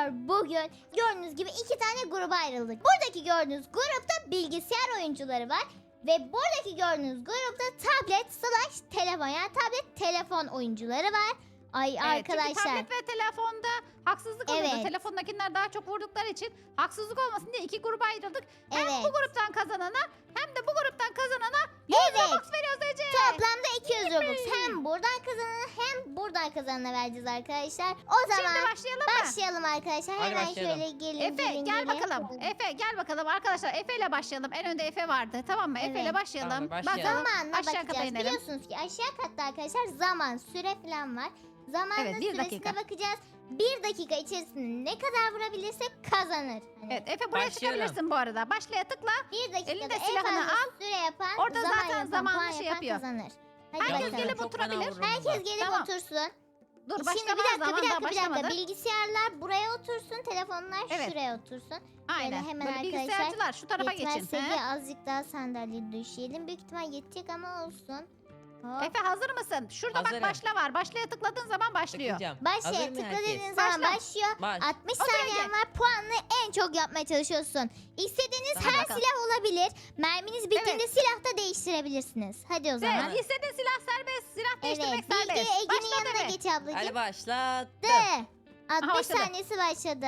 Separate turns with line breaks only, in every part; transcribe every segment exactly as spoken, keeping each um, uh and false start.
arkadaşlar bugün gördüğünüz gibi iki tane gruba ayrıldık. Buradaki gördüğünüz grupta bilgisayar oyuncuları var. Ve buradaki gördüğünüz grupta tablet slash telefon yani tablet telefon oyuncuları var. Ay
Evet,
arkadaşlar.
Çünkü tablet ve telefonda haksızlık oluyordu.
Evet.
Telefondakiler daha çok vurdukları için haksızlık olmasın diye iki gruba ayrıldık. Hem
Evet.
bu gruptan kazanana hem de bu gruptan kazanana yüz
Evet.
Robux veriyoruz Ece.
Toplamda iki yüz Robux hem buradan kazanana hem buradan kazanana vereceğiz arkadaşlar. O zaman
Şimdi başlayalım mı?
başlayalım arkadaşlar.
Hadi
Hemen
başlayalım.
şöyle gelin
Efe
gelin
gel
gelin.
bakalım. Efe gel bakalım arkadaşlar. Efe ile başlayalım. En önde Efe vardı. Tamam mı? Efe ile
Evet.
başlayalım.
Tamam, başlayalım.
Zamanla
Aşağı kata
bakacağız.
inelim.
Biliyorsunuz ki aşağı katta arkadaşlar zaman, süre falan var. Zamanla
Evet, bir
süresine
dakika.
bakacağız. Bir dakika içerisinde ne kadar vurabilirsek kazanır. Hani
Evet Efe buraya
Başlıyorum.
çıkabilirsin bu arada. Başlaya tıkla.
bir dakikada
elinde
en
silahını
fazla
al.
süre yapan,
Orada
zaman
zaten
yapan,
zamanlı
puan
şey
yapan
yapıyor.
kazanır. Hadi
Herkes
bakalım.
gelip
Çok fena
oturabilir.
vururum
Herkes
ben.
gelip
Tamam.
otursun.
Dur
Şimdi
başlama
bir dakika bir
zaman
dakika
daha
bir dakika.
başlamadı.
Bilgisayarlar buraya otursun, telefonlar
Evet.
şuraya otursun.
Aynen.
hemen
Böyle
arkadaşlar
bilgisayarcılar şu tarafa geçin.
Yetmezse
he?
diye azıcık daha sandalye düşeyelim. Büyük ihtimal yetecek ama olsun. Hop.
Efe hazır mısın? Şurada
Hazırım.
bak başla var. Başlaya tıkladığın zaman başlıyor.
Tıklayacağım.
Başla
Hazır mı
tıkla
herkes?
dediğin zaman
Başla.
başlıyor.
Baş.
altmış
Otur
saniyen
Ege.
var. Puanını en çok yapmaya çalışıyorsun. İstediğiniz
Hadi
her
bakalım.
silah olabilir. Merminiz bittiğinde silah da değiştirebilirsiniz. Hadi o zaman.
Evet, istediğin silah serbest. Silah
Evet,
değiştirmek
Bilge
serbest.
Ege'nin
Başla
yanına
Efe.
geç ablacığım.
Hadi başlattım.
De. altmış
başladı.
saniyesi başladı.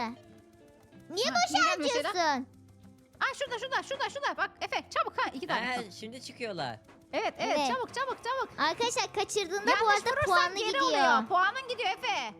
Niye
Ha,
boşa
neden mesela?
harcıyorsun?
Aa şurada şurada şurada şurada. Bak Efe çabuk ha iki tane.
He, şimdi çıkıyorlar.
Evet, evet
Evet.
çabuk çabuk çabuk.
Arkadaşlar kaçırdığında bu
Yanlış
arada
vurursan
puanı
geri
gidiyor.
oluyor. Puanın gidiyor Efe.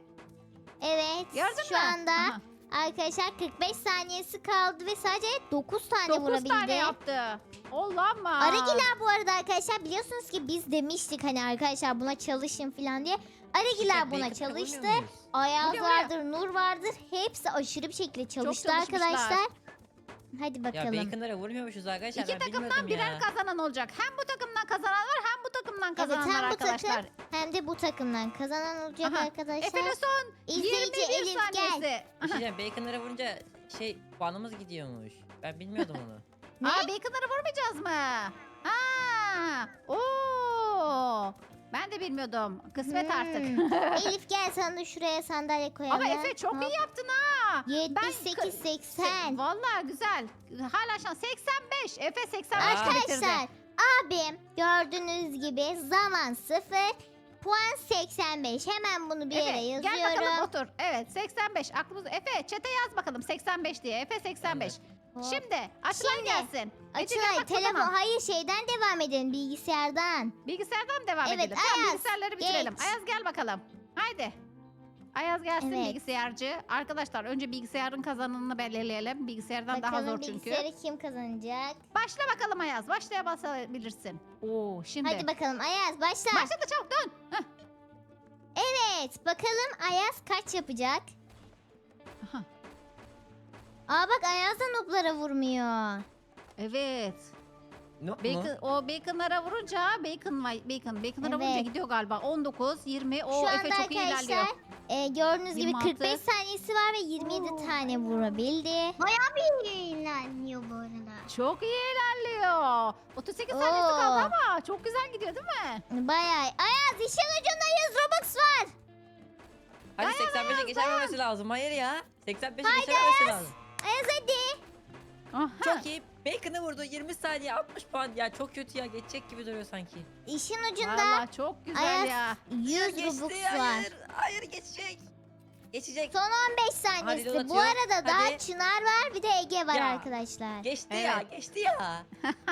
Evet.
Gördün
şu
mü?
anda
Aha.
arkadaşlar kırk beş saniyesi kaldı ve sadece dokuz tane
dokuz
vurabildi.
tane yaptı. Olamaz.
Aragiler bu arada arkadaşlar biliyorsunuz ki biz demiştik hani arkadaşlar buna çalışın falan diye. Aragiler
İşte
buna
Bacon'ı
çalıştı.
vurmuyor muyuz?
Ayaz
Vuruyor, vuruyor.
vardır, Nur vardır. Hepsi aşırı bir şekilde çalıştı
çalışmışlar.
arkadaşlar. Hadi
Ya
bakalım.
Bacon'lara vurmuyormuşuz arkadaşlar.
İki
ben
takımdan
bilmiyordum
birer
ya.
kazanan olacak. Hem bu takımdan kazanan var hem bu takımdan
Evet
kazananlar
hem bu
arkadaşlar.
takım hem de bu takımdan kazanan olacak
Aha.
arkadaşlar.
Efe'nin son
İzleyici
yirmi bir
Elif gel.
saniyesi.
Bir şey diyeceğim, Bacon'lara vurunca şey puanımız gidiyormuş. Ben bilmiyordum onu.
Ne?
Aa bacon'ları vurmayacağız mı? Ha! Oo! Ben de bilmiyordum. Kısmet artık.
Hmm. Elif gel sana da şuraya sandalye koyalım.
Ama Efe çok iyi yaptın ha.
yetmiş sekiz seksen.
Vallahi güzel. Hala şans. seksen beş. Efe seksen beş
Aa.
bitirdi.
Arkadaşlar abim gördüğünüz gibi zaman sıfır. Puan seksen beş. Hemen bunu bir yere
Efe
yazıyorum.
gel bakalım otur. Evet seksen beş. Aklımız Efe çete yaz bakalım seksen beş diye. Efe seksen beş.
Hop.
Şimdi açılan
Şimdi,
gelsin. Ece gel
Açılay
bak
telefon
bakalım.
hayır şeyden devam edelim bilgisayardan.
Bilgisayardan devam
Evet,
edelim. Tamam
Ayaz,
bilgisayarları bitirelim.
geç.
Ayaz gel bakalım. Haydi. Ayaz gelsin
Evet.
bilgisayarcı. Arkadaşlar önce bilgisayarın kazananını belirleyelim. Bilgisayardan daha
Bakalım
zor çünkü.
bilgisayarı kim kazanacak?
Başla bakalım Ayaz. Başlaya basabilirsin. Oo şimdi.
Hadi bakalım Ayaz başla.
Başladı çabuk dön. Heh.
Evet bakalım Ayaz kaç yapacak?
Aha.
Aa bak Ayaz da noplara vurmuyor.
Evet.
Ne mu?
Bacon, o baconlara vurunca bacon var- bacon baconlara vurunca
Evet.
gidiyor galiba. on dokuz, yirmi. O
Şu
Efe
anda
çok iyi ilerliyor.
arkadaşlar e, gördüğünüz gibi
yirmi altı.
kırk beş saniyesi var ve yirmi yedi tane vurabildi.
Bayağı bir ilerliyor bu arada.
Çok iyi ilerliyor. otuz sekiz saniyesi
Oo.
kaldı ama çok güzel gidiyor değil mi?
Bayağı. Ayaz işin ucunda yüz Robux var.
Hadi seksen beşe geçememesi lazım. Hayır ya. seksen beşe geçememesi lazım.
Ayaz hadi.
Aha.
Çok iyi. Bacon'ı vurdu. yirmi saniye altmış puan. Ya çok kötü ya. Geçecek gibi duruyor sanki.
İşin ucunda
Vallahi çok güzel
Ayaz
ya.
yüz
Geçti.
Robux var.
Hayır. Hayır geçecek. Geçecek.
Son on beş
Hadi
saniyesi.
yol
Bu
atıyor.
arada daha
Hadi.
Çınar var bir de Ege var
Ya.
arkadaşlar.
Geçti ya.
Evet.
Geçti ya.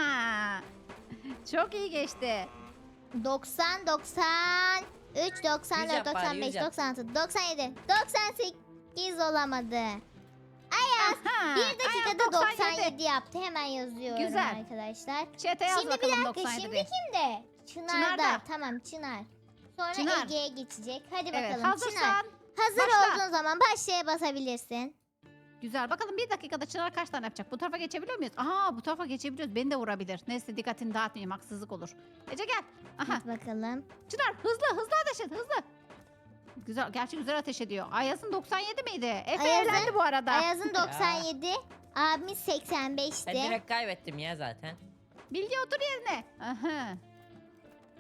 Çok iyi geçti.
doksan, doksan üç, doksan
Yüz
dört,
yap bari,
doksan
yüz
beş,
yap.
doksan altı, doksan yedi, doksan sekiz olamadı.
Aha.
Bir
Ayaz
dakikada doksan yedi yaptı. Hemen yazıyorum
Güzel.
arkadaşlar.
Çete yaz
Şimdi bir
bakalım
dakika
doksan yedi
şimdi
diye.
kimde? Çınar'da.
Çınar'da.
Tamam Çınar. Sonra
Çınar.
Ege'ye geçecek. Hadi
Evet
bakalım Çınar.
hazırsan.
Hazır
başla.
olduğun zaman başlaya basabilirsin.
Güzel. Bakalım bir dakikada Çınar kaç tane yapacak? Bu tarafa geçebiliyor muyuz? Aha bu tarafa geçebiliyoruz. Beni de vurabilir. Neyse dikkatini dağıtmayayım. Haksızlık olur. Ece gel. Aha.
Hadi bakalım.
Çınar hızlı hızlı ateş et hızlı. Güzel. Gerçi güzel ateş ediyor. Ayaz'ın doksan yedi miydi? Efe
Ayaz'ın-
eğlendi bu arada.
Ayaz'ın doksan yedi. Abimiz seksen
Ben
beşti.
direkt kaybettim ya zaten.
Bilge otur yerine. Aha.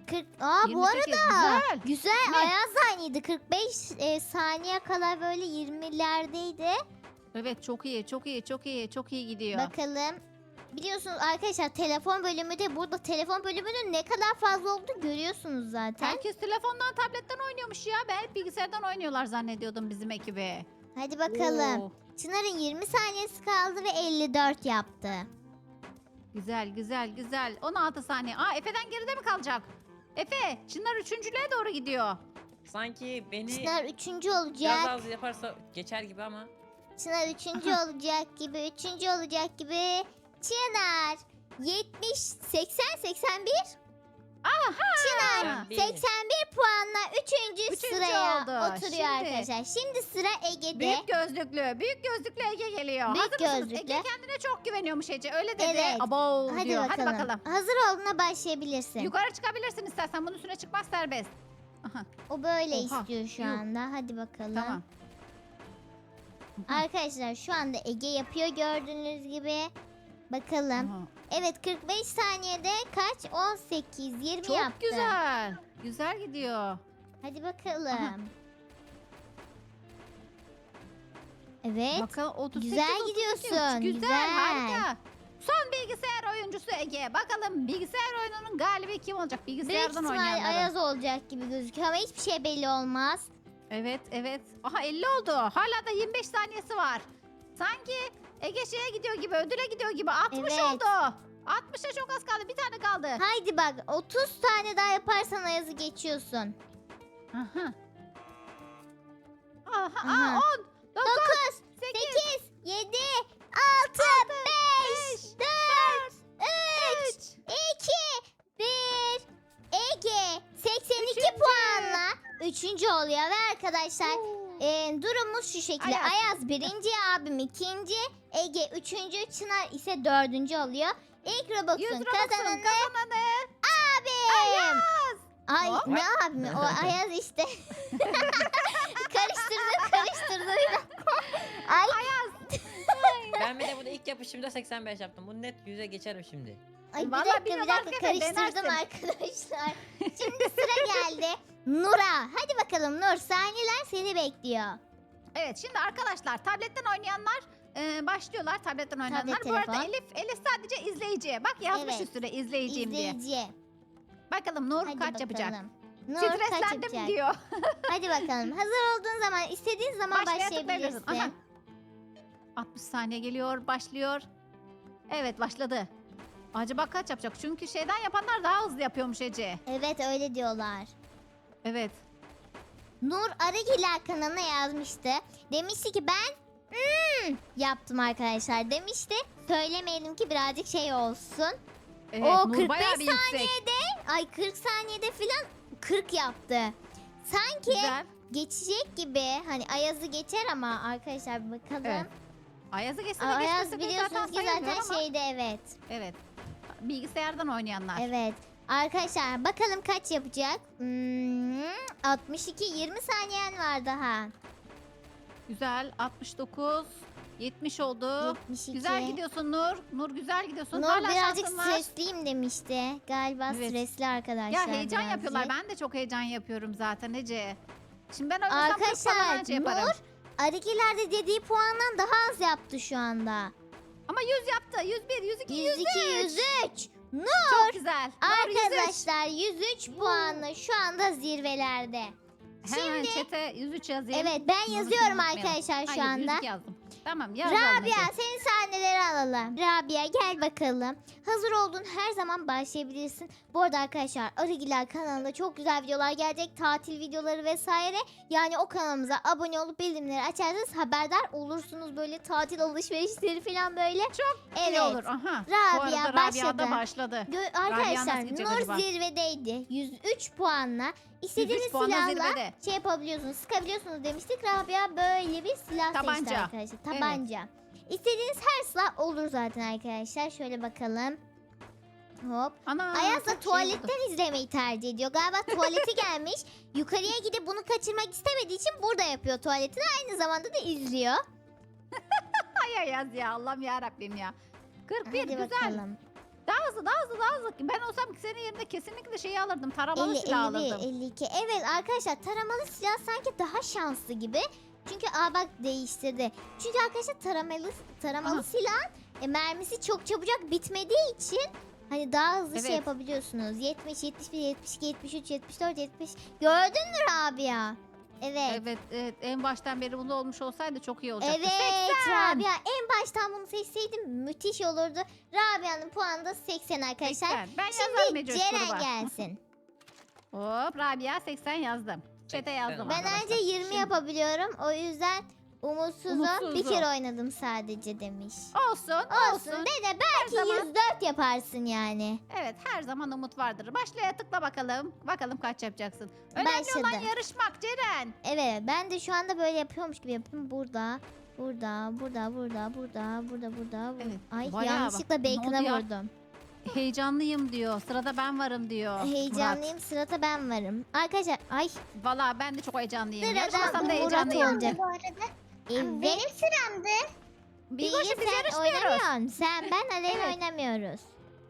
kırk Aa bu
yirmi sekiz,
arada
güzel.
güzel
Ne?
Ayaz da aynıydı. kırk beş e, saniye kala böyle yirmilerdeydi.
Evet çok iyi çok iyi çok iyi çok iyi gidiyor.
Bakalım. Biliyorsunuz arkadaşlar telefon bölümü de burada telefon bölümünün ne kadar fazla olduğunu görüyorsunuz zaten.
Herkes telefondan tabletten oynuyormuş ya. Ben hep bilgisayardan oynuyorlar zannediyordum bizim ekibi.
Hadi bakalım.
Oo,
Çınar'ın yirmi saniyesi kaldı ve elli dört yaptı.
güzel güzel güzel. on altı saniye. Aa Efe'den geride mi kalacak? Efe Çınar üçüncülüğe doğru gidiyor.
Sanki beni
Çınar üçüncü
biraz
olacak.
az yaparsa geçer gibi ama.
Çınar üçüncü olacak gibi. Üçüncü olacak gibi. Çınar yetmiş, seksen, seksen bir. Çınar
seksen bir.
seksen bir puanla üçüncü,
Üçüncü
sıraya
oldu.
oturuyor
Şimdi-
arkadaşlar. Şimdi sıra Ege'de.
Büyük gözlüklü. Büyük gözlüklü Ege geliyor.
Büyük
Hazır mısınız?
gözlüklü.
Ege kendine çok güveniyormuş Ece. Öyle dedi.
Evet.
Abo
Hadi
diyor.
bakalım.
Hadi bakalım.
Hazır olduğuna başlayabilirsin.
Yukarı çıkabilirsin istersen. Bunun üstüne çıkmak serbest. Aha,
O böyle
Oha,
istiyor şu
yuh.
anda. Hadi bakalım.
tamam.
Arkadaşlar şu anda Ege yapıyor gördüğünüz gibi. Bakalım.
Aha.
Evet kırk beş saniyede kaç? on sekiz, yirmi
Çok
yaptı.
güzel. Güzel gidiyor.
Hadi bakalım.
Aha.
Evet.
Bakalım otuz sekiz,
Güzel
otuz sekiz.
gidiyorsun,
Güzel,
güzel.
harika. Son bilgisayar oyuncusu Ege. Bakalım bilgisayar oyununun galibi kim olacak?
Büyük
Bilgisayardan
ihtimal
oynayanların.
Ayaz olacak gibi gözüküyor ama hiçbir şey belli olmaz.
Evet evet. Aha elli oldu. Hala da yirmi beş saniyesi var. Sanki Ege şeye gidiyor gibi, ödüle gidiyor gibi. altmış
Evet.
oldu. altmışa çok az kaldı. Bir tane kaldı.
Haydi bak otuz tane daha yaparsan Ayaz'ı geçiyorsun.
Aha. Aha,
Aha.
Aa, on, dokuz,
dokuz,
sekiz,
sekiz, yedi, altı, beş, dört, üç,
üç.
iki, bir. Ege seksen iki
Üçüncü.
puanla üçüncü oluyor ve arkadaşlar e, durumumuz şu şekilde.
Ayaz.
Ayaz birinci, abim ikinci, Ege üçüncü, Çınar ise dördüncü oluyor. İlk
yüz
Robux'un
Robux'un
kazananı
kazananı.
abim. Ay
Hop.
ne abim o Ayaz işte. karıştırdım karıştırdım. Ay.
Ben bir de bunu ilk yapışımda seksen beş yaptım. Bu net yüze geçerim şimdi.
Ay bir
Vallahi
dakika bir
bilmiyorum
dakika
arkadaşlar,
karıştırdım
denersin.
arkadaşlar. Şimdi sıra geldi Nur'a. Hadi bakalım Nur saniyeler seni bekliyor.
Evet şimdi arkadaşlar tabletten oynayanlar e, başlıyorlar tabletten oynayanlar.
Tablet,
Bu arada
telefon.
Elif, Elif sadece izleyici. Bak yazmış
Evet.
üstüne izleyiciyim diye.
İzleyici.
Bakalım Nur
Hadi
kaç yapacak?
bakalım. Nur kaç
Streslendim
yapacak?
diyor.
Hadi bakalım. Hazır olduğun zaman istediğin zaman
Başlaya tıklayabilirsin.
başlayabilirsin.
Aha. altmış saniye geliyor başlıyor. Evet başladı. Acaba kaç yapacak? Çünkü şeyden yapanlar daha hızlı yapıyormuş Ece.
Evet öyle diyorlar.
Evet.
Nur Arıgiler kanalına yazmıştı. Demişti ki ben hmm, yaptım arkadaşlar demişti. Söylemeyelim ki birazcık şey olsun.
Evet
O
Nur
kırk
bayağı
beş
bir yüksek.
saniyede ay kırk saniyede filan kırk yaptı. Sanki
Güzel.
geçecek gibi hani Ayaz'ı geçer ama arkadaşlar bir bakalım.
Evet. Ayaz'ı geçse de
Ayaz
geçmese de
biliyorsunuz
zaten
ki zaten
sayılmıyor ama.
şeyde evet.
Evet. Bilgisayardan oynayanlar.
Evet. Arkadaşlar bakalım kaç yapacak? Hmm, altmış iki yirmi saniyen var daha.
Güzel. altmış dokuz. yetmiş oldu.
yetmiş iki.
Güzel gidiyorsun Nur. Nur güzel gidiyorsun.
Nur
Hala
birazcık
şansın var.
stresliyim demişti. Galiba
Evet.
stresli arkadaşlar.
Ya heyecan
birazcık.
yapıyorlar. Ben de çok heyecan yapıyorum zaten Ece. Şimdi ben oynasam kırk
Arkadaşlar
falan anca yaparım.
Nur Arıgilerde dediği puandan daha az yaptı şu anda.
Ama yüz yaptı. yüz bir, yüz iki,
yüz
yüz
iki,
üç.
yüz üç. Nur
Çok güzel. Nur yüz üç.
arkadaşlar yüz üç puanla şu anda zirvelerde.
Hemen
Şimdi
çete yüz üç yazayım.
evet ben
Nur'u
yazıyorum
unutmayalım.
arkadaşlar şu
Hayır,
anda.
yüz iki yazdım. Tamam yazalım
Rabia
Ece.
senin sahneleri alalım. Rabia gel bakalım. Hazır olduğun her zaman başlayabilirsin. Bu arada arkadaşlar Arıgiler kanalında çok güzel videolar gelecek. Tatil videoları vesaire. Yani o kanalımıza abone olup bildirimleri açarsanız haberdar olursunuz. Böyle tatil alışverişleri falan böyle.
Çok
evet.
İyi olur. Aha. Bu
Rabia
arada
başladı.
Rabia da başladı.
Gö-
Rabia
arkadaşlar
nasıl gidecek
Nur
acaba?
zirvedeydi. yüz üç puanla. İstediğiniz
yüz üç puanla
silahla
zirvede.
şey yapabiliyorsunuz, sıkabiliyorsunuz demiştik. Rabia böyle bir silah seçti
Tabanca.
arkadaşlar. Tabanca. İstediğiniz her silah olur zaten arkadaşlar. Şöyle bakalım. Hop.
Ana.
Ayaz
çok
da
şey
tuvaletten
oldu.
izlemeyi tercih ediyor. Galiba tuvaleti gelmiş. Yukarıya gidip bunu kaçırmak istemediği için burada yapıyor tuvaletini. Aynı zamanda da izliyor.
Ay Ayaz ya Allah'ım ya Rabbim ya. kırk bir
Hadi
güzel.
bakalım.
Daha hızlı daha hızlı daha hızlı. Ben olsam senin yerinde kesinlikle şeyi alırdım. Taramalı
elli,
silah
elli bir,
alırdım.
elli iki. Evet arkadaşlar taramalı silah sanki daha şanslı gibi. Çünkü aa bak değiştirdi. Çünkü arkadaşlar taramalı taramalı
Aha.
silah e, mermisi çok çabucak bitmediği için hani daha hızlı şey
Evet.
yapabiliyorsunuz. yetmiş, yetmiş bir, yetmiş iki, yetmiş üç, yetmiş dört, yetmiş. Gördün mü Rabia? Evet.
Evet, evet en baştan beri bunu olmuş olsaydı çok iyi olacaktı.
Evet
seksen.
Rabia en baştan bunu seçseydim müthiş olurdu. Rabia'nın puanı da seksen arkadaşlar.
seksen. Ben yazarım
Şimdi
Ece
Ceren
gruba.
gelsin.
Hop Rabia seksen yazdım. Çete yazdım.
Ben
arkadaşlar.
anca yirmi
Şimdi-
yapabiliyorum. O yüzden umutsuzum.
Umutsuzum.
Bir kere oynadım sadece demiş.
Olsun,
Olsun
olsun.
dede belki
zaman-
yüz dört yaparsın yani.
Evet her zaman umut vardır. Başlaya tıkla bakalım. Bakalım kaç yapacaksın. Önemli olan
Başladı.
yarışmak Ceren.
Evet ben de şu anda böyle yapıyormuş gibi yapıyorum. Burada, burada, burada, burada, burada, burada, burada.
Evet,
Ay
bayağı
yanlışlıkla
bak. Ne
bacon'a
oldu ya?
vurdum.
Heyecanlıyım diyor. Sırada ben varım diyor.
Heyecanlıyım sırada ben varım. Arkadaşlar ay
Murat. Valla ben de çok heyecanlıyım.
Sırada
Yarışmasam da
Murat
heyecanlıyım.
olacak.
Bu arada
evet.
benim sıramdı.
Bilge
Bilge
biz
sen
yarışmıyoruz.
oynamıyorsun. Sen ben Aleyna
Evet.
oynamıyoruz.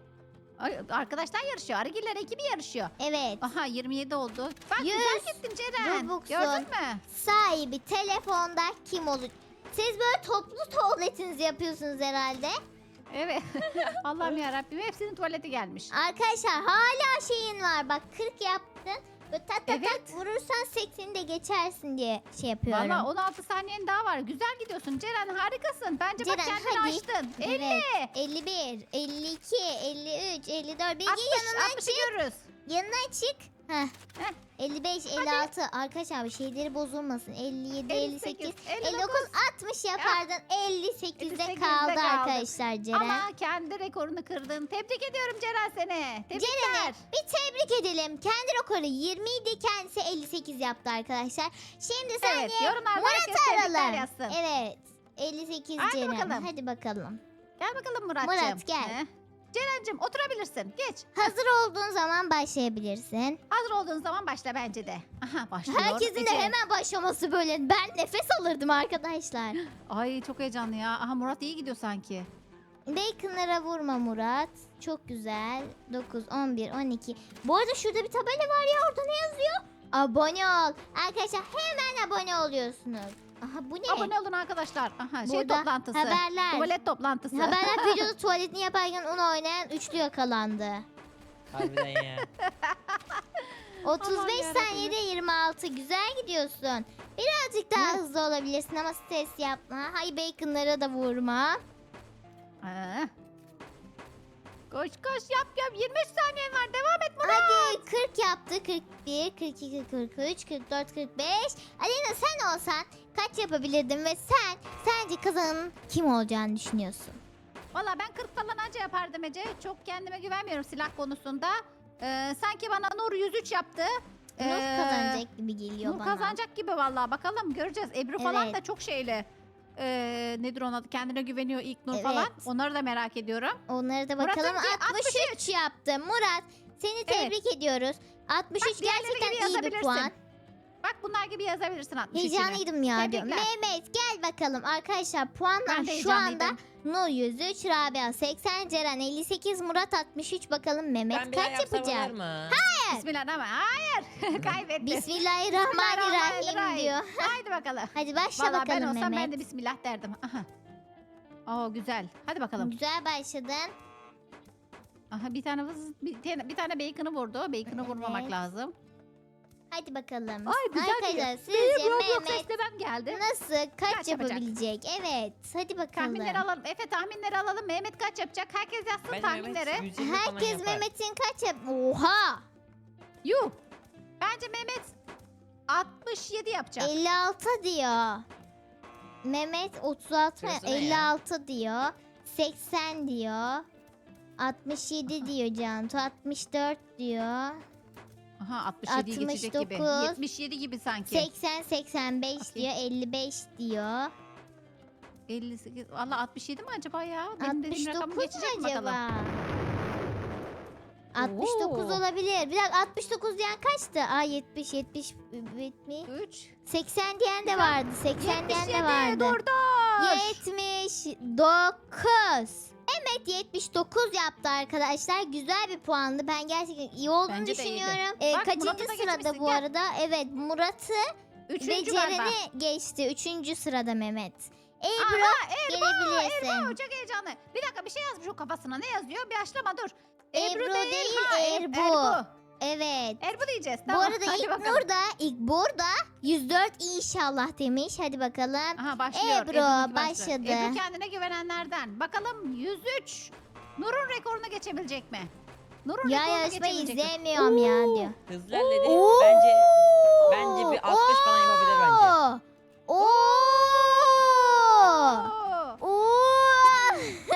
Ay, arkadaşlar yarışıyor. Arıgiller ekibi yarışıyor.
Evet.
Aha yirmi yedi oldu. Bak
Yüz
güzel gittin Ceren.
Robux'un
Gördün mü?
Sahibi telefonda kim olur? Siz böyle toplu tuvaletinizi yapıyorsunuz herhalde.
Evet. Allah'ım yarabbim hepsinin tuvaleti gelmiş.
Arkadaşlar hala şeyin var. Bak kırk yaptın. Böyle tat tat
Evet.
tat vurursan sekseni de geçersin diye şey yapıyorum.
Valla on altı saniyen daha var. Güzel gidiyorsun Ceren harikasın. Bence bak
Ceren,
kendini
hadi.
açtın.
Evet.
elli.
elli bir, elli iki, elli üç, elli dört. Bilgi
altmış,
yanına
altmışı
çık.
görürüz.
Yanına çık. Heh.
Heh.
elli beş, elli altı. Arkadaşlar bir şeyleri bozulmasın. elli yedi, elli sekiz,
elli
elli dokuz, altmış yapardın. elli sekizde
elli sekizde
kaldı
kaldı.
arkadaşlar Ceren.
Ama kendi rekorunu kırdın. Tebrik ediyorum Ceren seni. Tebrikler.
Ceren'i bir tebrik edelim. Kendi rekoru yirmi idi. Kendisi elli sekiz yaptı arkadaşlar. Şimdi
Evet
saniye
yorumlarda
Murat
herkes tebrikler
aralım.
yazsın.
Evet. elli sekiz
Hadi
Ceren.
bakalım.
Hadi bakalım.
Gel bakalım Muratcığım.
Murat, gel.
He. Ceren'cim oturabilirsin. Geç.
Hazır olduğun zaman başlayabilirsin.
Hazır olduğun zaman başla bence de. Aha başlıyor.
Herkesin de
Ece.
hemen başlaması böyle. Ben nefes alırdım arkadaşlar.
Ay çok heyecanlı ya. Aha Murat iyi gidiyor sanki.
Bacon'lara vurma Murat. Çok güzel. dokuz, on bir, on iki. Bu arada şurada bir tabela var ya. Orada ne yazıyor? Abone ol. Arkadaşlar hemen abone oluyorsunuz. Aha bu ne?
Abone olun arkadaşlar. Aha şey
Burada
toplantısı.
haberler.
Tuvalet toplantısı.
Haberler videoda tuvaletini yaparken onu oynayan üçlü yakalandı.
Harbiden ya.
otuz beş
Aman yarabbim.
saniyede yirmi altı. Güzel gidiyorsun. Birazcık daha
Hı.
hızlı olabilirsin ama stres yapma. Hay bacon'lara da vurma.
Aa. Koş koş yap yap. yirmi üç saniyen var. Devam et Murat.
Hadi kırk yaptı. kırk bir, kırk iki, kırk üç, kırk dört, kırk beş. Alena sen olsan kaç yapabilirdin ve sen sence kazanın kim olacağını düşünüyorsun?
Valla ben kırk falan anca yapardım Ece. Çok kendime güvenmiyorum silah konusunda. Ee, sanki bana Nur yüz üç yaptı.
Nur
Ee,
kazanacak gibi geliyor
Nur
bana.
kazanacak gibi valla. Bakalım göreceğiz. Ebru falan
Evet.
da çok şeyli. Ee, nedir onun adı? Kendine güveniyor ilk Nur
Evet.
falan. Onları da merak ediyorum.
Onları da
Murat'ın
bakalım.
ki
altmış üç yaptı. Murat seni tebrik ediyoruz. altmış üç
Bak, diğerleri gibi
gerçekten iyi bir
yazabilirsin.
puan.
Bak bunlar gibi yazabilirsin altmış üçünü.
Heyecanlıydım ya diyorum.
Tebrikler.
Mehmet gel bakalım arkadaşlar puanlar
Ben de
şu anda
heyecanlıydım.
Nur yüz üç, Rabia seksen, Ceren elli sekiz, Murat altmış üç. Bakalım Mehmet
Ben bir daha
kaç
yapsam olur
yapacak?
mu?
Bismillahirrahmanirrahim. Hayır. Kaybetti.
Bismillahirrahmanirrahim diyor.
Haydi bakalım.
Hadi başla
Valla ben
bakalım
olsam
Mehmet.
ben de bismillah derdim. Aha. Oo güzel. Hadi bakalım.
Güzel başladın.
Aha bir tane vız, bir tane, bir tane bacon'ı vurdu. Bacon'ı vurmamak
Evet.
lazım.
Hadi bakalım.
Ay, güzel
Arkadaşlar sizce
Benim Roblox
Mehmet
eklemem geldi.
nasıl kaç,
Kaç yapacak?
yapabilecek? Evet. Hadi bakalım.
Tahminleri alalım. Efe tahminleri alalım. Mehmet kaç yapacak? Herkes yazsın
Bence
tahminleri.
Mehmet yüz yirmi falan
Herkes
yapar.
Mehmet'in kaç yap? Oha!
Yuh. Bence Mehmet altmış yedi yapacak.
elli altı diyor. Mehmet otuz altı mı?
Şurası ne ya?
elli altı diyor. seksen diyor. altmış yedi diyor Cantu. altmış dört diyor.
Aha altmış yediyi geçecek gibi.
altmış dokuz.
yetmiş yedi gibi sanki.
seksen seksen beş
Bakayım.
diyor. elli beş diyor.
elli sekiz. Valla altmış yedi mi acaba ya? Benim dediğim rakamı
altmış dokuz mu
geçecek mi bakalım?
acaba? altmış dokuz
Oo.
olabilir. Bir dakika altmış dokuz diyen kaçtı? Aa yetmiş, yetmiş, yetmiş.
üç.
seksen diyen de vardı. seksen diyen
yetmiş
de
yedi.
vardı.
Dur dur.
yetmiş dokuz. Mehmet tablet yetmiş dokuz yaptı arkadaşlar. Güzel bir puandı. Ben gerçekten iyi olduğunu
Bence de iyiydi.
düşünüyorum. Ee,
Bak,
kaçıncı
Murat'ı da
sırada
geçmişsin,
bu
gel.
arada? Evet, Murat'ı ve
Üçüncü galiba.
Ceren'i geçti. Üçüncü sırada Mehmet. Ebru
Aha, Erbo,
gelebilirsin.
Erbo çok heyecanlı. Bir dakika bir şey yazmış o kafasına. Ne yazıyor? Bir açlama dur.
Ebru değil,
ha, Er-
Erbo.
Erbo.
Evet.
Erbo diyeceğiz.
Bu
Tamam.
arada
hadi
ilk
bakalım.
Nur da ilk burada yüz dört inşallah demiş. Hadi bakalım.
Aha başlıyor.
Ebru
Ebru'nunki
başladı.
Ebru kendine güvenenlerden. Bakalım yüz üç. Nur'un rekorunu geçebilecek mi? Nur'un
Ya
rekorunu
yarışmayı
geçebilecek mi?
izlemiyorum ya diyor.
Hızlı ilerledi.
Oo!
Bence bence bir altmış falan yapabilir bence.
Oo!
Oo.
Oo!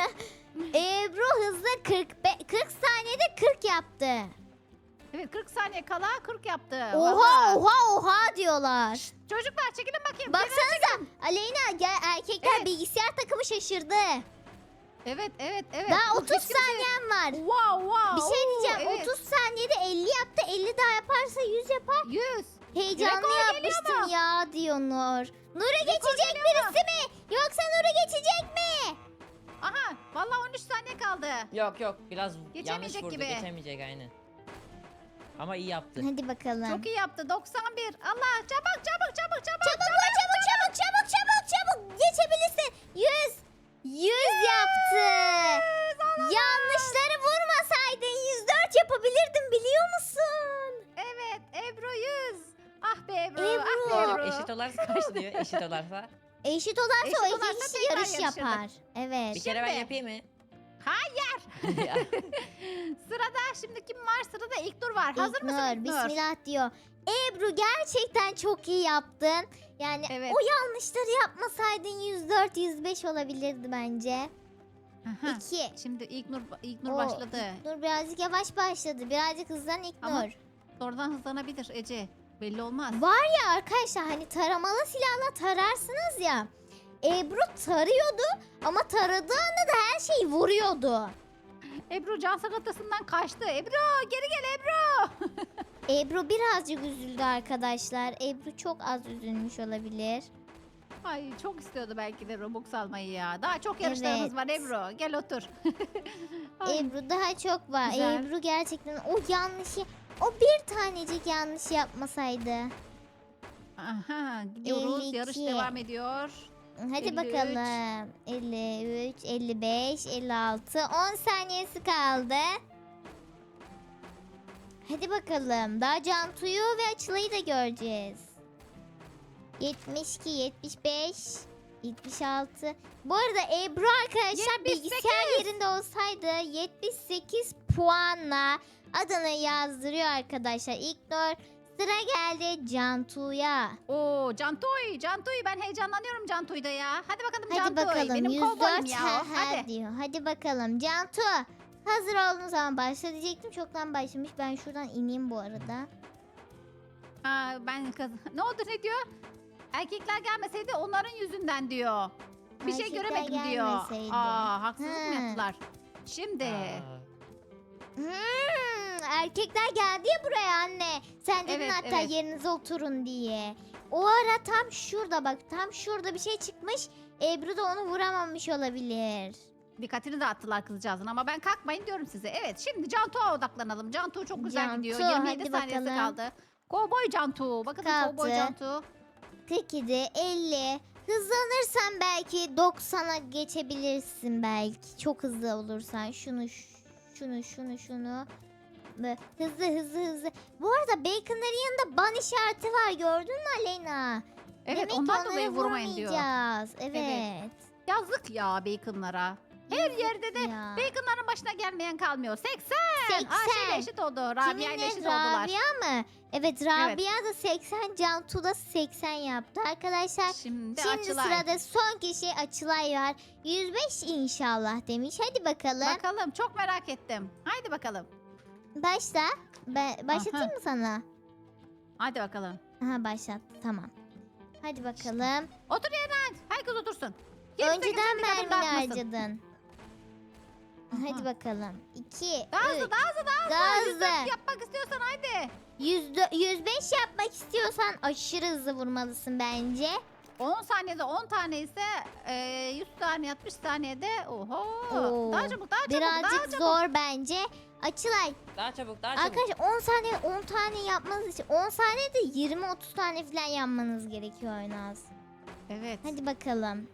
Ebru hızlı kırk be- kırk saniyede kırk yaptı.
Evet kırk saniye kala kırk yaptı.
Oha
Vallahi.
oha oha diyorlar.
Çocuklar çekilin bakayım.
Baksanıza Aleyna gel, erkekler
Evet.
bilgisayar takımı şaşırdı.
Evet evet evet.
Daha
Bu
otuz
hiç kimse-
saniyen var.
Wow wow.
Bir şey
Oo,
diyeceğim.
evet.
otuz saniyede elli yaptı. elli daha yaparsa yüz yapar.
yüz.
Heyecanlı
Rekor geliyor
yapmıştım
mu?
ya diyor Nur. Nur'a geçecek birisi mi? Yoksa Nur'a geçecek mi?
Aha vallahi on üç saniye kaldı.
Yok yok biraz yanlış
Geçemeyecek
vurdu.
gibi.
Geçemeyecek aynen. Ama iyi yaptı.
Hadi bakalım.
Çok iyi yaptı. doksan bir. Allah çabuk çabuk çabuk çabuk.
Çabuk ol, çabuk çabuk çabuk çabuk çabuk geçebilirsin. yüz. yüz yaptı. Yanlışları vurmasaydın yüz dört yapabilirdin biliyor musun?
Evet Ebru yüz. Ah be Ebru.
Ebru.
Ah be Ebru.
Eşit olarsa kaç diyor? Eşit olarsa.
Eşit olarsa
Eşit
o iki
olarsa
kişi
tekrar
yarış
yarışırdık.
yapar. Evet.
Bir kere ben
Şimdi.
yapayım mı?
Hayır. Sırada şimdi kim var? Sırada ilk Nur var. Hazır
İlknur,
mısın İlknur?
Bismillah diyor. Ebru gerçekten çok iyi yaptın. Yani
Evet.
o yanlışları yapmasaydın yüz dört yüz beş olabilirdi bence.
Aha.
iki.
Şimdi ilk Nur ilk Nur
Oo,
başladı.
Nur birazcık yavaş başladı. Birazcık hızlan İlknur.
Ama- Sonradan hızlanabilir Ece. Belli olmaz.
Var ya arkadaşlar hani taramalı silahla tararsınız ya. Ebru tarıyordu ama taradığı anda da her şeyi vuruyordu.
Ebru can sakatasından kaçtı. Ebru geri gel Ebru.
Ebru birazcık üzüldü arkadaşlar. Ebru çok az üzülmüş olabilir.
Ay çok istiyordu belki de Robux almayı ya. Daha çok yarışlarımız
Evet.
var Ebru. Gel otur. Ay,
Ebru daha çok var.
Güzel.
Ebru gerçekten o yanlışı, o bir tanecik yanlış yapmasaydı.
Aha gidiyoruz.
elli
Yarış
iki.
devam ediyor.
Hadi
elli üç.
bakalım. elli üç, elli beş, elli altı. on saniyesi kaldı. Hadi bakalım. Daha Cantu'yu ve Açılay'ı da göreceğiz. yetmiş iki, yetmiş beş, yetmiş altı. Bu arada Ebru arkadaşlar
yetmiş sekiz.
bilgisayar yerinde olsaydı yetmiş sekiz puanla adını yazdırıyor arkadaşlar. İlknur, sıra geldi Cantu'ya.
Oo Cantoy, Cantoy ben heyecanlanıyorum Cantoy'da ya. Hadi bakalım
Hadi
Cantoy.
bakalım
Benim
yüz
kovboyum
dört
ya.
ha,
o.
ha
Hadi.
diyor. Hadi bakalım Cantu. Hazır olduğun zaman başla diyecektim. Çoktan başlamış. Ben şuradan ineyim bu arada.
Ha, ben kız. Ne oldu ne diyor? Erkekler gelmeseydi onların yüzünden diyor. Bir şey
Erkekler
göremedim diyor.
gelmeseydi.
Aa haksızlık mı
Ha.
yaptılar? Şimdi.
Aa,
Hmm, erkekler geldi ya buraya anne. Sen dedin
Evet,
hatta
evet.
yerinize oturun diye. O ara tam şurada bak. Tam şurada bir şey çıkmış. Ebru da onu vuramamış olabilir.
Dikkatini dağıttılar kızcağızın ama ben kalkmayın diyorum size. Evet şimdi Cantu'ya odaklanalım. Cantu çok güzel
Cantu,
gidiyor. yirmi yedi
hadi
saniyesi
bakalım.
kaldı. Kovboy Cantu. Bakın Kovboy
Kalktı.
Cantu.
kırk yedi, elli. Hızlanırsan belki doksana geçebilirsin belki. Çok hızlı olursan. Şunu, ş- şunu, şunu, şunu. Böyle hızlı hızlı hızlı. Bu arada Bacon'ların yanında ban işareti var. Gördün mü Aleyna?
Evet
Demek ki
ondan dolayı
onları
vurmayın diyor.
vurmayacağız. Evet.
Yazık ya Bacon'lara. Her yerde de
Ya.
Bacon'ların başına gelmeyen kalmıyor. seksen.
seksen.
Ayşe ile eşit oldu. Rabia ile
Kiminle?
eşit oldular.
Rabia mı? Evet Rabia da seksen, Cantu da seksen yaptı arkadaşlar.
Şimdi,
Şimdi
Açılay.
sırada son kişi Açılay var. yüz beş inşallah demiş. Hadi bakalım.
Bakalım çok merak ettim. Haydi bakalım.
Başla. Ba- başlatayım
Aha.
mı sana?
Hadi bakalım.
Aha başlattı tamam. Hadi bakalım.
Otur yerine. Herkes otursun. yirmi sekiz
Önceden
dikkatini
mermini
dağıtmasın.
harcadın.
Aha.
Hadi bakalım. iki,
Daha hızlı
üç,
daha hızlı daha hızlı.
daha
yüz dört
hızlı.
yapmak istiyorsan haydi.
yüz dö- yüz beş yapmak istiyorsan aşırı hızlı vurmalısın bence.
on saniyede on tane ise e, yüz saniye altmış saniyede oho.
Oo,
Daha çabuk daha çabuk daha
Birazcık
çabuk.
zor bence. Açılay.
Daha çabuk daha çabuk.
Arkadaşlar on saniye on tane yapmanız için on saniyede yirmi otuz tane falan yapmanız gerekiyor en az.
Evet.
Hadi bakalım.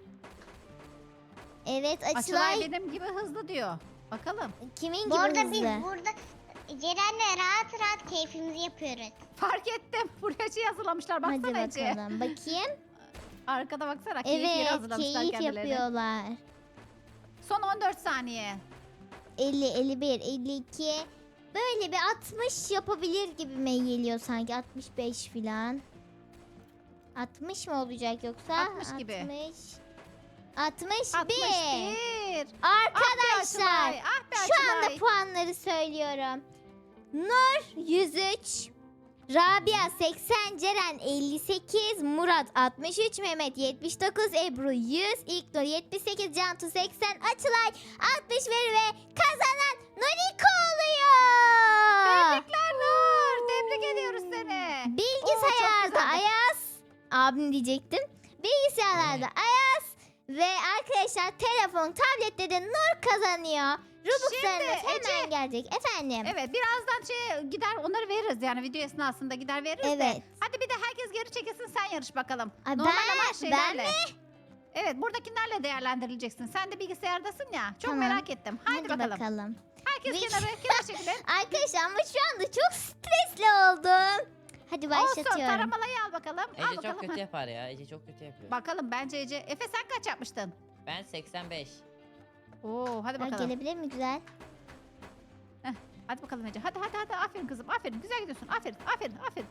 Evet
Açılay
Açılay.
benim gibi hızlı diyor. Bakalım.
Kimin
Bu
gibi
arada biz
hızlı?
burada Ceren'le rahat rahat keyfimizi yapıyoruz.
Fark ettim. Buraya şey hazırlamışlar.
Hadi
Baksana Ece.
bakalım. Bakayım.
Arkada baksana. Keyif yeri
Evet
hazırlamışlar
keyif
kendilerine.
yapıyorlar.
Son on dört saniye.
elli, elli bir, elli iki. Böyle bir altmış yapabilir gibime geliyor sanki. altmış beş filan. altmış mı olacak yoksa?
altmış gibi.
altmış. altmış
altmış
bir.
bir.
Arkadaşlar
Ah be
şu
Açılay.
anda puanları söylüyorum. Nur yüz üç. Rabia seksen, Ceren elli sekiz, Murat altmış üç, Mehmet yetmiş dokuz, Ebru yüz, İlknur yetmiş sekiz, Cantu seksen, Açılay altmış bir ve kazanan Noriko oluyor.
Tebrikler Nur. Tebrik ediyoruz seni.
Bilgisayarda
güzeldi.
Ayaz, abim diyecektim. Bilgisayarlarda Ayaz ve arkadaşlar telefon, tablette de Nur kazanıyor. Robux'larınız
Şimdi
hemen
Ece-
gelecek efendim.
Evet birazdan şey gider onları veririz yani video esnasında gider veririz de.
Evet.
Hadi bir de herkes geri çekilsin sen yarış bakalım.
Ay,
Normal
ben-
ama
ben
şeylerle. Evet buradakilerle değerlendirileceksin. Sen de bilgisayardasın ya. Çok
Tamam.
merak ettim. Haydi,
Hadi
bakalım.
bakalım.
Herkes
Bir-
kenara kenara çekilin.
Arkadaşlar ama şu anda çok stresli oldum. Hadi
Olsun
başlatıyorum.
taramalayı al bakalım. al
Ece
bakalım.
çok kötü yapar ya. Ece çok kötü yapıyor.
Bakalım bence Ece. Efe sen kaç yapmıştın?
Ben seksen beş.
Oo hadi
Ha,
bakalım.
gelebilir mi güzel?
Hadi bakalım Ece. Hadi hadi hadi aferin kızım. Aferin. Güzel gidiyorsun. Aferin. Aferin. Aferin.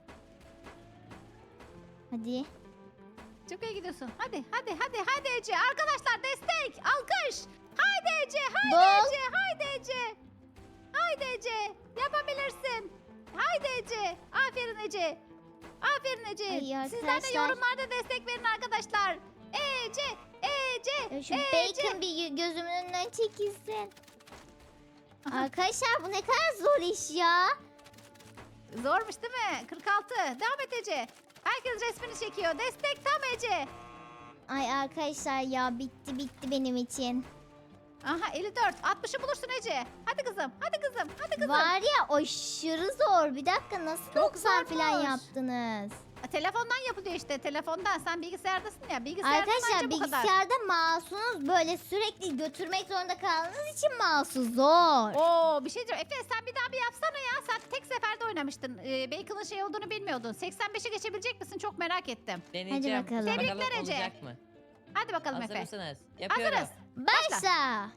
Hadi.
Çok iyi gidiyorsun. Hadi hadi hadi hadi Ece. Arkadaşlar destek. Alkış. Haydi Ece. Haydi
Bol.
Ece. Haydi Ece. Haydi Ece. Yapabilirsin. Haydi Ece. Aferin Ece. Aferin Ece.
Ay
Sizler de
arkadaşlar.
yorumlarda destek verin arkadaşlar. Ece. Ece.
Ya şu
Ece.
bacon bir gö- gözümün önünden çekilsin. Arkadaşlar bu ne kadar zor iş ya.
Zormuş değil mi? kırk altı. Devam et Ece. Herkes resmini çekiyor. Destek tam Ece.
Ay arkadaşlar ya bitti bitti benim için.
Aha elli dört. altmışı bulursun Ece. Hadi kızım. Hadi kızım. Hadi kızım.
Var ya aşırı zor. Bir dakika nasıl doksan falan
zormuş.
yaptınız?
Telefondan yapılıyor işte. Telefondan. Sen bilgisayardasın ya. Bilgisayarda
Arkadaşlar
bence bu kadar.
bilgisayarda mouse'unuz böyle sürekli götürmek zorunda kaldığınız için mouse'u zor.
Oo bir şey diyeceğim. Efe sen bir daha bir yapsana ya. Sen tek seferde oynamıştın. Ee, Bacon'ın şey olduğunu bilmiyordun. seksen beşe geçebilecek misin? Çok merak ettim.
Deneyeceğim.
bakalım.
Tebrikler Ece.
olacak mı?
Hadi bakalım
Hazır
Efe.
mısınız? Yapıyorum.
Hazırız.
Başla.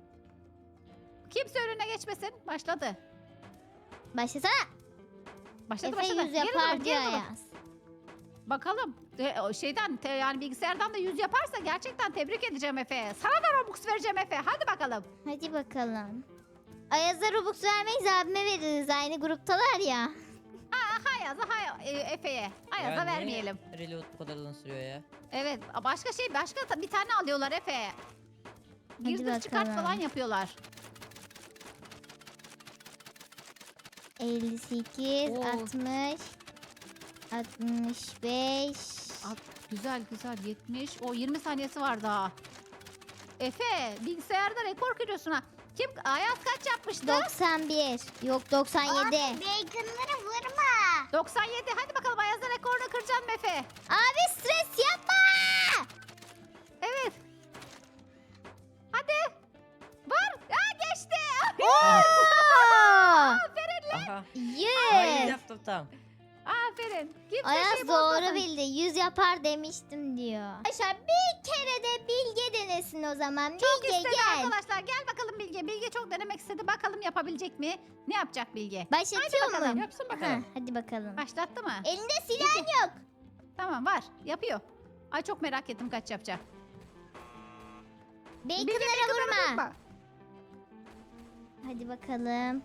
Kimse önüne geçmesin. Başladı.
Başlasana.
Başladı
Efe
başladı.
yüz
Geri
yapar
durun,
diyor
geri durun.
Ayaz.
Bakalım. E, o şeyden te- yani bilgisayardan da yüz yaparsa gerçekten tebrik edeceğim Efe. Sana da Robux vereceğim Efe. Hadi bakalım.
Hadi bakalım. Ayaz'a Robux vermeyiz abime veririz. Aynı gruptalar ya.
Ayaz'a hay e, Efe'ye. Ayaz'a
Ya niye
vermeyelim.
Reload bu kadar uzun sürüyor ya.
Evet başka şey başka ta- bir tane alıyorlar Efe.
Hadi
Girdir çıkart
bakalım.
falan yapıyorlar.
elli sekiz,
Oo.
altmış, altmış beş.
At- Güzel güzel yetmiş. O yirmi saniyesi var daha. Efe bilgisayarda rekor kırıyorsun ha. Kim Ayaz kaç yapmıştı?
doksan bir. Yok doksan yedi.
Abi baconlara vurma.
doksan yedi. Hadi bakalım Ayaz'ın rekorunu kıracaksın mı Efe?
Abi stres yapma.
Evet. Hadi. Var. Aa, geçti.
Oo!
Aferin lan.
Aha. Ay
yüz.
yaptım tam.
Aferin. Kimse
Ayaz
şey
doğru
bozmasın.
bildi. yüz yapar demiştim diyor. Arkadaşlar bir kere de Bilge denesin o zaman.
Çok
Bilge
istedi
gel.
arkadaşlar. Gel bakalım Bilge. Bilge çok denemek istedi. Bakalım yapabilecek mi? Ne yapacak Bilge?
Başlatıyor
bakalım,
mu?
Yapsın
Ha,
bakalım.
hadi bakalım.
Başlattı mı?
Elinde silah yok.
Tamam var. Yapıyor. Ay çok merak ettim kaç yapacak. Bilge,
Bacon'lara
baconlara
vurma. Hadi bakalım.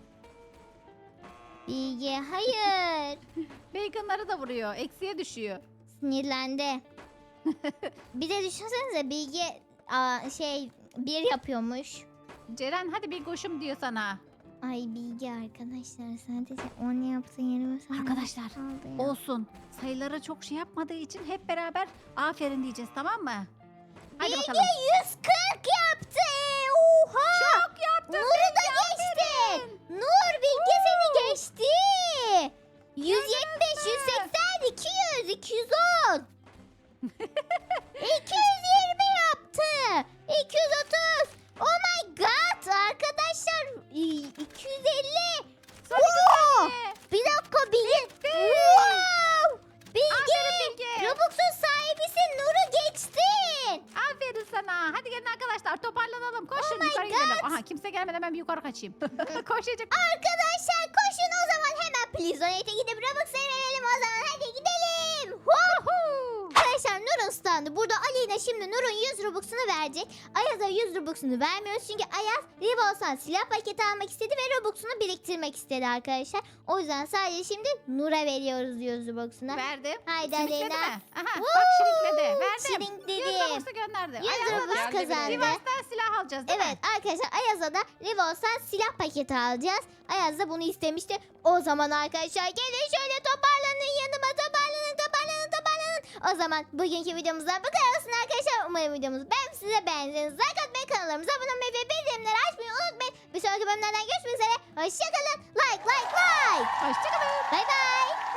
Bilge hayır.
Bacon'ları da vuruyor. Eksiye düşüyor.
Sinirlendi. Bir de düşünsenize Bilge aa, şey bir yapıyormuş.
Ceren hadi bir koşum diyor sana.
Ay Bilge arkadaşlar sadece onu yaptığın yerime sana
Arkadaşlar,
kaldı ya.
Olsun. Sayıları çok şey yapmadığı için hep beraber aferin diyeceğiz, tamam mı? Hadi
Bilge
bakalım.
yüz kırk yaptı. Oha.
Çok yaptın.
Nur'u da geçti. Nur Bilge seni geçti. yüz yetmiş, yüz seksen, iki yüz, iki yüz on. iki yüz yirmi yaptı. iki yüz otuz. Oh my god arkadaşlar. iki yüz elli. Wow. Bir dakika Bilge. Wow. Bilge.
Aferin Bilge.
Robux'un sahibisin. Nur'u geçtin.
Aferin sana. Hadi gelin arkadaşlar, toparlanalım. Koşun
my
yukarı gidelim.
God.
Aha, kimse gelmeden ben bir yukarı kaçayım. Koşacak.
Arkadaşlar koşun o zaman hemen Plizonate'e gidip Robux'ları verelim o zaman. Hadi gidelim. Woohoo. Arkadaşlar Nur'un standı. Burada Aleyna şimdi Nur'un yüz Robux'unu verecek. Ayaz'a yüz Robux'unu vermiyoruz. Çünkü Ayaz Revolsan silah paketi almak istedi ve Robux'unu biriktirmek istedi arkadaşlar. O yüzden sadece şimdi Nur'a veriyoruz yüz Robux'unu.
Verdim.
Haydi
Şirikledi
Aleyna.
mi? Aha, bak şirikledi. Verdim.
Şirinkledi.
yüz Robux'u gönderdi.
yüz
Ayaz'a
Robux
da
geldi bile.
kazandı.
Sivas'tan silah alacağız değil mi?
Evet arkadaşlar Ayaz'a da Revolsan silah paketi alacağız. Ayaz da bunu istemişti. O zaman arkadaşlar gelin şöyle toparlanın yanıma toparlanın toparlanın toparlanın. O zaman bugünkü videomuzdan bu kadar olsun arkadaşlar. Umarım videomuzu ben size beğendiğiniz like atmayı, kanallarımıza abone olmayı ve bildirimleri açmayı unutmayın. Bir sonraki bölümlerden görüşmek üzere. Hoşçakalın. Like like like.
Hoşçakalın.
Bay bay.